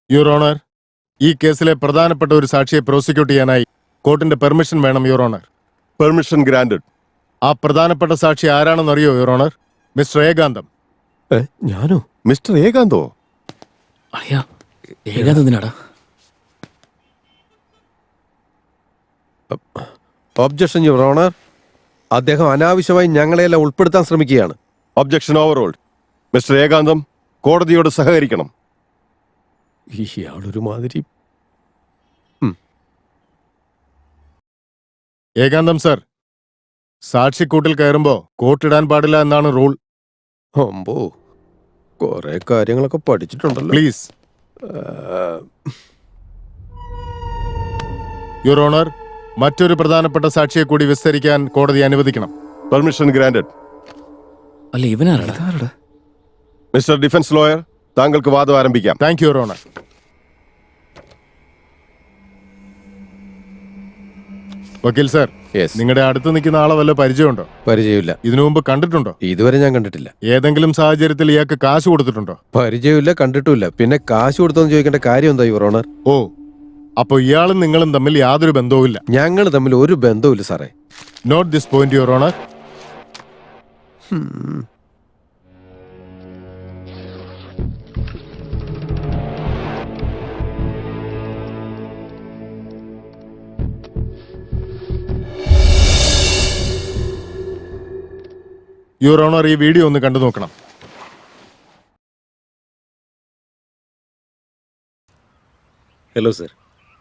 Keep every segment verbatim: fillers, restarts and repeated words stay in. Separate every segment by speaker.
Speaker 1: Your honour, ഈ കേസിലെ പ്രധാനപ്പെട്ട ഒരു സാക്ഷിയെ പ്രോസിക്യൂട്ട് ചെയ്യാനായി കോർട്ടിന്റെ പെർമിഷൻ വേണം യുവർ ഓണർ.
Speaker 2: Permission granted.
Speaker 1: ആ പ്രധാനപ്പെട്ട സാക്ഷി ആരാണെന്ന് അറിയോ യുവർ ഓണർ? മിസ്റ്റർ ഏകാന്തം.
Speaker 2: ഞാനോ? മിസ്റ്റർ ഏകാന്തോ?
Speaker 3: അയ്യാ, ഏകാന്തത്തിനാടാ.
Speaker 4: Objection your honour. അദ്ദേഹം അനാവശ്യമായി ഞങ്ങളെയെല്ലാം ഉൾപ്പെടുത്താൻ ശ്രമിക്കുകയാണ്.
Speaker 2: Objection overruled. മിസ്റ്റർ ഏകാന്തം കോടതിയോട് സഹകരിക്കണം.
Speaker 4: ഇയാളൊരു മാതിരി.
Speaker 1: ഏകാന്തം സർ, സാക്ഷിക്കൂട്ടിൽ കയറുമ്പോ കോട്ടിടാൻ പാടില്ല എന്നാണ് റൂൾ.
Speaker 4: അമ്പോ, കൊറേ കാര്യങ്ങളൊക്കെ പഠിച്ചിട്ടുണ്ടല്ലോ.
Speaker 1: പ്ലീസ് യുവർ ഓണർ, മറ്റൊരു പ്രധാനപ്പെട്ട സാക്ഷിയെ കൂടി വിസ്തരിക്കാൻ കോടതി അനുവദിക്കണം.
Speaker 2: Permission granted.
Speaker 3: അല്ല, ഇവനാരാടാ?
Speaker 2: മിസ്റ്റർ ഡിഫൻസ് ലോയർ, താങ്കൾക്ക് വാദം ആരംഭിക്കാം.
Speaker 1: Thank you your honour. വക്കീൽ സർ, നിങ്ങളുടെ അടുത്ത് നിൽക്കുന്ന ആളെ വല്ല പരിചയമുണ്ടോ?
Speaker 4: പരിചയമില്ല.
Speaker 1: ഇതിനു മുമ്പ് കണ്ടിട്ടുണ്ടോ?
Speaker 4: ഇതുവരെ ഞാൻ കണ്ടിട്ടില്ല.
Speaker 1: ഏതെങ്കിലും സാഹചര്യത്തിൽ ഇയാൾക്ക് കാശ് കൊടുത്തിട്ടുണ്ടോ?
Speaker 4: പരിചയമില്ല, കണ്ടിട്ടുമില്ല. പിന്നെ കാശ് കൊടുത്തോന്ന് ചോദിക്കേണ്ട കാര്യം എന്താ യുവർ ഓണർ?
Speaker 1: ഓ, അപ്പൊ ഇയാളും നിങ്ങളും തമ്മിൽ യാതൊരു ബന്ധവുമില്ല?
Speaker 4: ഞങ്ങൾ തമ്മിൽ ഒരു ബന്ധവുമില്ല സാറേ.
Speaker 1: Note this point your honour. Your honour, ഈ വീഡിയോ ഒന്ന് കണ്ടു നോക്കണം.
Speaker 5: Hello sir.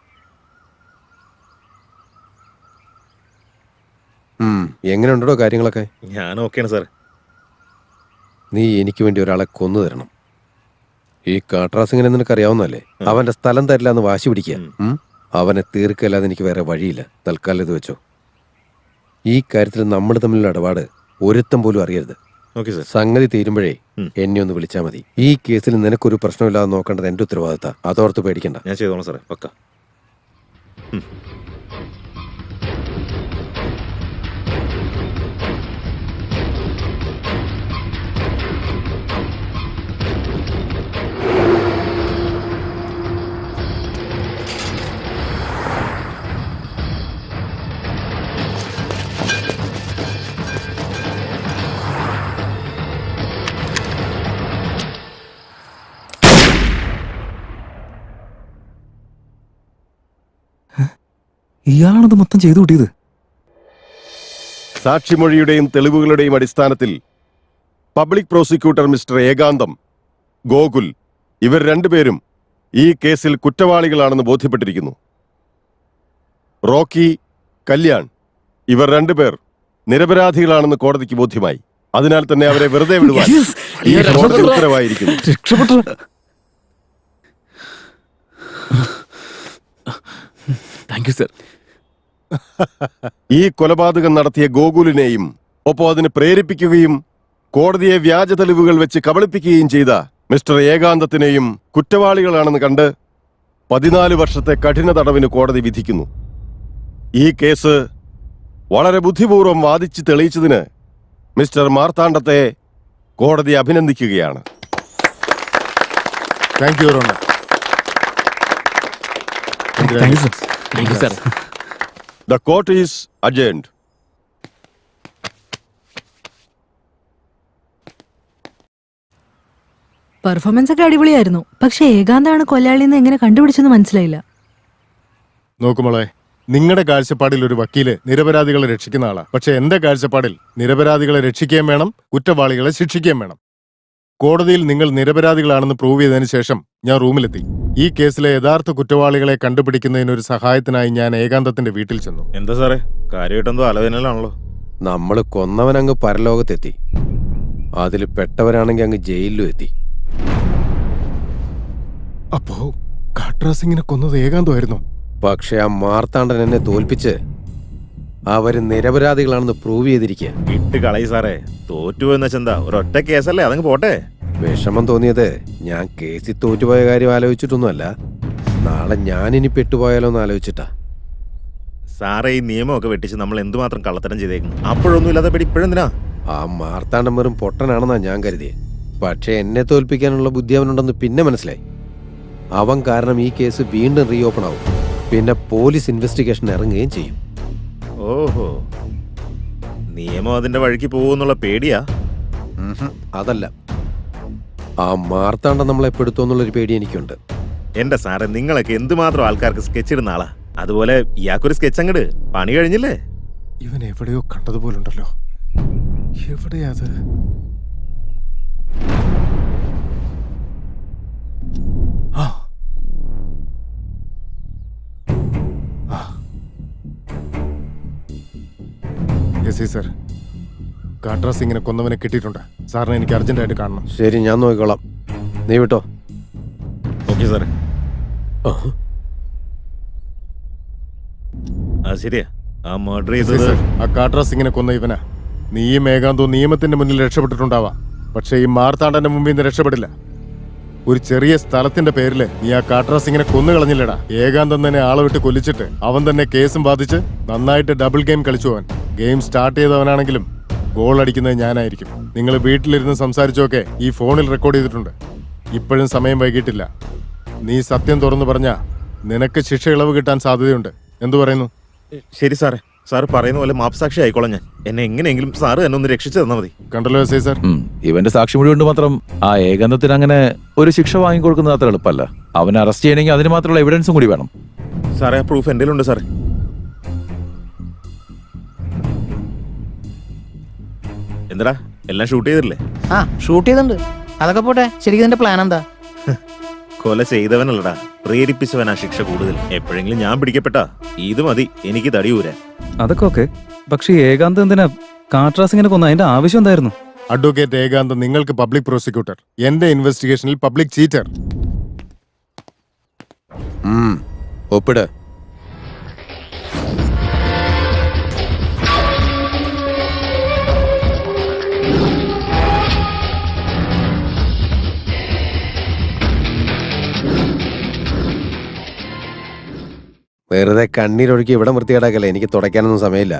Speaker 4: എങ്ങനെയുണ്ടോ കാര്യങ്ങളൊക്കെ?
Speaker 5: ഞാൻ ഓക്കെയാണ് സാർ.
Speaker 4: നീ എനിക്ക് വേണ്ടി ഒരാളെ കൊന്നു തരണം. ഈ കാട്രാസിങ്ങനെ നിനക്കറിയാവുന്നല്ലേ? അവന്റെ സ്ഥലം തരില്ല എന്ന് വാശി പിടിക്കുക. അവനെ തീർക്കല്ലാതെ എനിക്ക് വേറെ വഴിയില്ല. തൽക്കാലം ഇത് വെച്ചോ. ഈ കാര്യത്തിൽ നമ്മൾ തമ്മിലുള്ള ഇടപാട് ഒരുത്തം പോലും അറിയരുത്. സംഗതി തീരുമ്പോഴേ എന്നെ ഒന്ന് വിളിച്ചാൽ മതി. ഈ കേസിൽ നിനക്കൊരു പ്രശ്നമില്ലാതെ നോക്കേണ്ടത് എന്റെ ഉത്തരവാദിത്ത. അതോർത്ത് പേടിക്കണ്ട.
Speaker 5: ഞാൻ ചെയ്തോളാം സാറേ, പക്ക.
Speaker 3: ഇയാളാണത് മൊത്തം ചെയ്തു കൂട്ടിയത്.
Speaker 2: സാക്ഷിമൊഴിയുടെയും തെളിവുകളുടെയും അടിസ്ഥാനത്തിൽ public prosecutor mister Ekantham, Gokul ഇവർ രണ്ടുപേരും ഈ കേസിൽ കുറ്റവാളികളാണെന്ന് ബോധ്യപ്പെട്ടിരിക്കുന്നു. റോക്കി, കല്യാൺ ഇവർ രണ്ടുപേർ നിരപരാധികളാണെന്ന് കോടതിക്ക് ബോധ്യമായി. അതിനാൽ തന്നെ അവരെ വെറുതെ വിടുവാൻ ഈ കോടതി ഉത്തരവായിരിക്കുന്നു.
Speaker 3: Thank you sir.
Speaker 2: ഈ കൊലപാതകം നടത്തിയ ഗോകുലിനെയും ഒപ്പം അതിന് പ്രേരിപ്പിക്കുകയും കോടതിയെ വ്യാജ തെളിവുകൾ വെച്ച് കബളിപ്പിക്കുകയും ചെയ്ത മിസ്റ്റർ ഏകാന്തത്തിനെയും കുറ്റവാളികളാണെന്ന് കണ്ട് പതിനാല് വർഷത്തെ കഠിന തടവിന് കോടതി വിധിക്കുന്നു. ഈ കേസ് വളരെ ബുദ്ധിപൂർവ്വം വാദിച്ച് തെളിയിച്ചതിന് മിസ്റ്റർ മാർത്താണ്ഡത്തെ കോടതി അഭിനന്ദിക്കുകയാണ്.
Speaker 1: Thank you your honour.
Speaker 3: Thank you sir. Thank you sir.
Speaker 2: The court is adjourned.
Speaker 6: Performance ഒക്കെ അടിപൊളിയായിരുന്നു. പക്ഷെ ഏകാന്താണ് കൊലയാളിന്ന് എങ്ങനെ കണ്ടുപിടിച്ചെന്ന് മനസ്സിലായില്ല.
Speaker 1: നോക്കുമോളെ, നിങ്ങളുടെ കാഴ്ചപ്പാടിൽ ഒരു വക്കീല് നിരപരാധികളെ രക്ഷിക്കുന്ന ആളാ. പക്ഷെ എന്റെ കാഴ്ചപ്പാടിൽ നിരപരാധികളെ രക്ഷിക്കുകയും വേണം, കുറ്റവാളികളെ ശിക്ഷിക്കുകയും വേണം. കോടതിയിൽ നിങ്ങൾ നിരപരാധികളാണെന്ന് പ്രൂവ് ചെയ്തതിനു ശേഷം ഞാൻ റൂമിലെത്തി. ഈ കേസിലെ യഥാർത്ഥ കുറ്റവാളികളെ കണ്ടുപിടിക്കുന്നതിനൊരു സഹായത്തിനായി ഞാൻ ഏകാന്തത്തിന്റെ വീട്ടിൽ ചെന്നു.
Speaker 5: എന്താ സാറേ, കാര്യമായിട്ടെന്തോ ആലോചനയിലാണല്ലോ.
Speaker 4: നമ്മള് കൊന്നവനങ്ങ് പരലോകത്തെത്തി. അതിൽ പെട്ടവരാണെങ്കിൽ അങ്ങ് ജയിലിലും എത്തി.
Speaker 1: അപ്പോ കാട്രാസിങ്ങിനെ കൊന്നത് ഏകാന്തമായിരുന്നു.
Speaker 4: പക്ഷെ ആ മാർത്താണ്ഡൻ എന്നെ തോൽപ്പിച്ച് അവര് നിരപരാധികളാണെന്ന് പ്രൂവ് ചെയ്തിരിക്കുക.
Speaker 5: ഇട്ട് കളയി സാറേ. തോറ്റുപോയെന്ന് വെച്ചെന്താ, ഒരൊറ്റ കേസല്ലേ, അതങ്ങ് പോട്ടെ.
Speaker 4: വിഷമം തോന്നിയത് ഞാൻ കേസിൽ തോറ്റുപോയ കാര്യം ആലോചിച്ചിട്ടൊന്നുമല്ല, നാളെ ഞാനിനി പെട്ടുപോയാലോ എന്ന് ആലോചിച്ചിട്ടാ.
Speaker 5: സാറേ, ഈ നിയമമൊക്കെ വെട്ടിച്ച് നമ്മൾ എന്തുമാത്രം കള്ളത്തരം ചെയ്തേക്കുന്നു. അപ്പോഴൊന്നും ഇല്ലാതെ പേടി ഇപ്പോഴെന്തിനാ?
Speaker 4: ആ മാർത്താണ്ഡൻ വെറും പൊട്ടനാണെന്നാ ഞാൻ കരുതിയത്. പക്ഷെ എന്നെ തോൽപ്പിക്കാനുള്ള ബുദ്ധി അവനുണ്ടെന്ന് പിന്നെ മനസ്സിലായി. അവൻ കാരണം ഈ കേസ് വീണ്ടും റീഓപ്പൺ ആവും. പിന്നെ പോലീസ് ഇൻവെസ്റ്റിഗേഷൻ ഇറങ്ങുകയും ചെയ്യും.
Speaker 5: ഓഹോ, നിയമം അതിന്റെ വഴിക്ക് പോകുന്നുള്ള പേടിയാ?
Speaker 4: അതല്ല, ആ മാർത്താണ്ഡം നമ്മളെ പെടുത്തുമെന്നുള്ളൊരു പേടി എനിക്കുണ്ട്.
Speaker 5: എന്റെ സാറേ, നിങ്ങളൊക്കെ എന്തുമാത്രം ആൾക്കാർക്ക് സ്കെച്ച് ഇടുന്ന ആളാ. അതുപോലെ ഇയാൾക്കൊരു സ്കെച്ച് അങ്ങട് പണി കഴിഞ്ഞില്ലേ?
Speaker 1: ഇവൻ എവിടെയോ കണ്ടതുപോലുണ്ടല്ലോ. എവിടെയാ അത്? ആ. ആ. യെസ് സർ, കാട്രാ സിംഗിനെ കൊന്നവനെ കിട്ടിയിട്ടുണ്ട്. സാറിനെ എനിക്ക് അർജന്റായിട്ട് കാണണം.
Speaker 4: ശരി, ഞാൻ നോക്കിക്കോളാം. നീ വിട്ടോ.
Speaker 5: ഓക്കെ സാറേ. ആ ശരിയാ, ആ മർഡർ
Speaker 1: യെസ്
Speaker 5: ചെയ്തത്
Speaker 1: സർ, ആ കാട്രാ സിംഗിനെ കൊന്ന ഇവനാ. നീയും ഏകാന്തവും നിയമത്തിന്റെ മുന്നിൽ രക്ഷപ്പെട്ടിട്ടുണ്ടാവാം, പക്ഷെ ഈ മാർത്താണ്ഡന്റെ മുമ്പിൽ നിന്ന് രക്ഷപ്പെടില്ല. ഒരു ചെറിയ സ്ഥലത്തിന്റെ പേരില് നീ ആ കാട്രാ സിംഗിനെ കൊന്നു കളഞ്ഞില്ലടാ. ഏകാന്തം തന്നെ ആളെ വിട്ട് കൊല്ലിച്ചിട്ട് അവൻ തന്നെ കേസും ബാധിച്ച് നന്നായിട്ട് ഡബിൾ ഗെയിം കളിച്ചു. അവൻ ഗെയിം സ്റ്റാർട്ട് ചെയ്തവനാണെങ്കിലും ഗോൾ അടിക്കുന്നത് ഞാനായിരിക്കും. നിങ്ങൾ വീട്ടിലിരുന്ന് സംസാരിച്ചൊക്കെ ഈ ഫോണിൽ റെക്കോർഡ് ചെയ്തിട്ടുണ്ട്. ഇപ്പോഴും സമയം വൈകിട്ടില്ല. നീ സത്യം തുറന്നു പറഞ്ഞാ നിനക്ക് ശിക്ഷ ഇളവ് കിട്ടാൻ സാധ്യതയുണ്ട്. എന്തു പറയുന്നു?
Speaker 5: ശരി സാറേ, സാറ് പറയുന്ന പോലെ മാപ്സാക്ഷി ആയിക്കോളാം ഞാൻ. എന്നെ എങ്ങനെയെങ്കിലും സാറ് എന്നെ ഒന്ന് രക്ഷിച്ചു തന്നാൽ മതി.
Speaker 1: കണ്ടല്ലോ എസ് ഐ സർ,
Speaker 7: ഉം. ഇവന്റെ സാക്ഷിമൊഴി കൊണ്ട് മാത്രം ആ ഏകാന്തത്തിന് അങ്ങനെ ഒരു ശിക്ഷ വാങ്ങിക്കൊടുക്കുന്നത് അത്ര എളുപ്പമല്ല. അവനെ അറസ്റ്റ് ചെയ്യണമെങ്കിൽ അതിന് മാത്രമുള്ള എവിഡൻസും കൂടി വേണം.
Speaker 5: സാറേ, ആ പ്രൂഫ് എൻ്റെ ഉണ്ട് സാറേ. എന്താ എല്ലാം ഷൂട്ട് ചെയ്തില്ലേ?
Speaker 8: ആ ഷൂട്ട് ചെയ്തിട്ടുണ്ട്. അതൊക്കെ പോട്ടെ, ശരിക്കും ഇതിന്റെ പ്ലാൻ എന്താ?
Speaker 5: കൊല ചെയ്തവനല്ലടാ, പ്രേരിപ്പിച്ചവനാ ശിക്ഷ കൂടുതൽ. എപ്പോഴെങ്കിലും ഞാൻ പിടിക്കപ്പെട്ടാ ഇത് മതി എനിക്ക് തടിയൂരാൻ.
Speaker 3: അതൊക്കെ ഓക്കെ, പക്ഷെ ഏകാന്ത് എന്തിനാ കാട്രാ സിംഗിനെ കൊന്ന? അതിന്റെ ആവശ്യം എന്തായിരുന്നു?
Speaker 1: അഡ്വക്കേറ്റ് ഏകാന്ത് നിങ്ങൾക്ക് പബ്ലിക് പ്രോസിക്യൂട്ടർ, എന്റെ ഇൻവെസ്റ്റിഗേഷനിൽ പബ്ലിക് ചീറ്റർ.
Speaker 4: ഉം. ഒപ്പിട്. വെറുതെ കണ്ണീരൊഴുക്കി ഇവിടെ വൃത്തികേടാക്കല്ലേ. എനിക്ക് തുടയ്ക്കാനൊന്നും സമയമില്ല.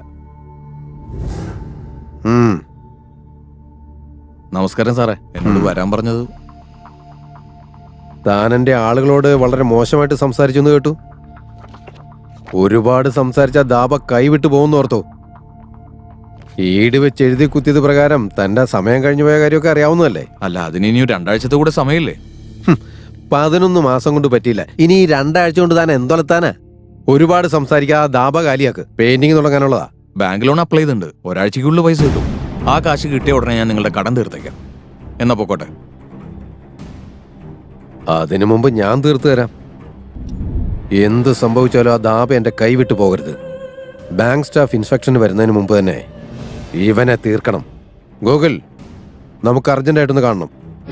Speaker 4: ഉം.
Speaker 7: നമസ്കാരം സാറേ, എന്നോട് വരാൻ പറഞ്ഞത്.
Speaker 4: താൻ എൻ്റെ ആളുകളോട് വളരെ മോശമായിട്ട് സംസാരിച്ചു എന്ന് കേട്ടു. ഒരുപാട് സംസാരിച്ച ദാബ കൈവിട്ടു പോകുന്നു ഓർത്തോ? ഈട് വെച്ച് എഴുതി കുത്തിയത് പ്രകാരം തന്റെ സമയം കഴിഞ്ഞു പോയ കാര്യമൊക്കെ അറിയാവുന്നതല്ലേ?
Speaker 7: അല്ല, അതിന് ഇനി രണ്ടാഴ്ചത്തെ കൂടെ സമയമില്ലേ?
Speaker 4: പതിനൊന്ന് മാസം കൊണ്ട് പറ്റിയില്ല. ഇനി ഈ രണ്ടാഴ്ച കൊണ്ട് താൻ എന്തൊലത്താനാ? ഒരുപാട് സംസാരിക്കാതെ ദാബ കാലിയാക്ക്. പെയിന്റിങ് തുടങ്ങാനുള്ളതാ.
Speaker 7: ബാങ്ക് ലോൺ അപ്ലൈ ചെയ്തിട്ടുണ്ട്. ഒരാഴ്ചക്കുള്ളിൽ പൈസ കിട്ടും. ആ കാശ് കിട്ടിയ ഉടനെ ഞാൻ നിങ്ങളുടെ കടം തീർത്തേക്കാം. എന്നാ പൊക്കോട്ടെ.
Speaker 4: അതിനു മുമ്പ് ഞാൻ തീർത്തു തരാം. എന്ത് സംഭവിച്ചാലും ആ ദാബ എന്റെ കൈവിട്ടു പോകരുത്. ബാങ്ക് സ്റ്റാഫ് ഇൻസ്പെക്ഷന് വരുന്നതിന് മുമ്പ് തന്നെ ഇവനെ തീർക്കണം. ഗൂഗിൾ, നമുക്ക് അർജന്റായിട്ടൊന്ന് കാണണം.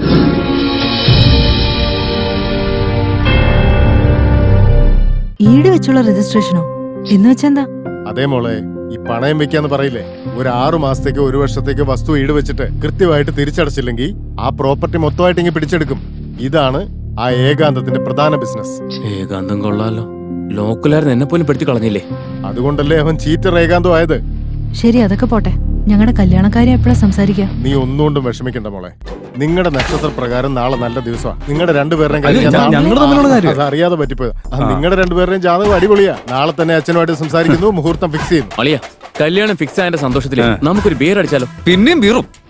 Speaker 6: ഈട് വെച്ചുള്ള രജിസ്ട്രേഷനോ? എന്ന് വെച്ചെന്താ?
Speaker 1: അതേ മോളെ, ഈ പണയം വെക്കാന്ന് പറയില്ലേ, ഒരു ആറു മാസത്തേക്കോ ഒരു വർഷത്തേക്കോ വസ്തു ഈട് വെച്ചിട്ട് കൃത്യമായിട്ട് തിരിച്ചടച്ചില്ലെങ്കിൽ ആ പ്രോപ്പർട്ടി മൊത്തമായിട്ട് ഇങ്ങനെ പിടിച്ചെടുക്കും. ഇതാണ് ആ ഏകാന്തത്തിന്റെ പ്രധാന ബിസിനസ്.
Speaker 3: ഏകാന്തം കൊള്ളാലോ, ലോക്കലായിരുന്നു എന്നെ പോലും പെടുത്തി കളഞ്ഞില്ലേ?
Speaker 1: അതുകൊണ്ടല്ലേ അവൻ ചീറ്റർ ഏകാന്തം ആയത്.
Speaker 6: ശരി, അതൊക്കെ പോട്ടെ. ഞങ്ങളുടെ കല്യാണക്കാരെ എപ്പോഴാ സംസാരിക്കാം?
Speaker 1: നീ ഒന്നുകൊണ്ടും വിഷമിക്കണ്ട മോളെ. നിങ്ങളുടെ നക്ഷത്ര പ്രകാരം നാളെ നല്ല ദിവസമാണ്. നിങ്ങളുടെ രണ്ടുപേരുടെയും
Speaker 3: അല്ല,
Speaker 1: കാര്യം ഞാൻ-
Speaker 3: ഞങ്ങൾ തമ്മിലുള്ള കാര്യം.
Speaker 1: അത് അറിയാതെ പറ്റിപ്പോയത്. നിങ്ങളുടെ രണ്ടുപേരുടെയും ജാതകം അടിപൊളിയാ. നാളെ തന്നെ അച്ഛനുമായിട്ട് സംസാരിക്കുന്നു, മുഹൂർത്തം ഫിക്സ് ചെയ്യുന്നു.
Speaker 3: അളിയ, കല്യാണം ഫിക്സ് ആയതിന്റെ സന്തോഷത്തില് നമുക്കൊരു ബിയർ അടിച്ചാലോ?
Speaker 7: പിന്നെയും വീറും.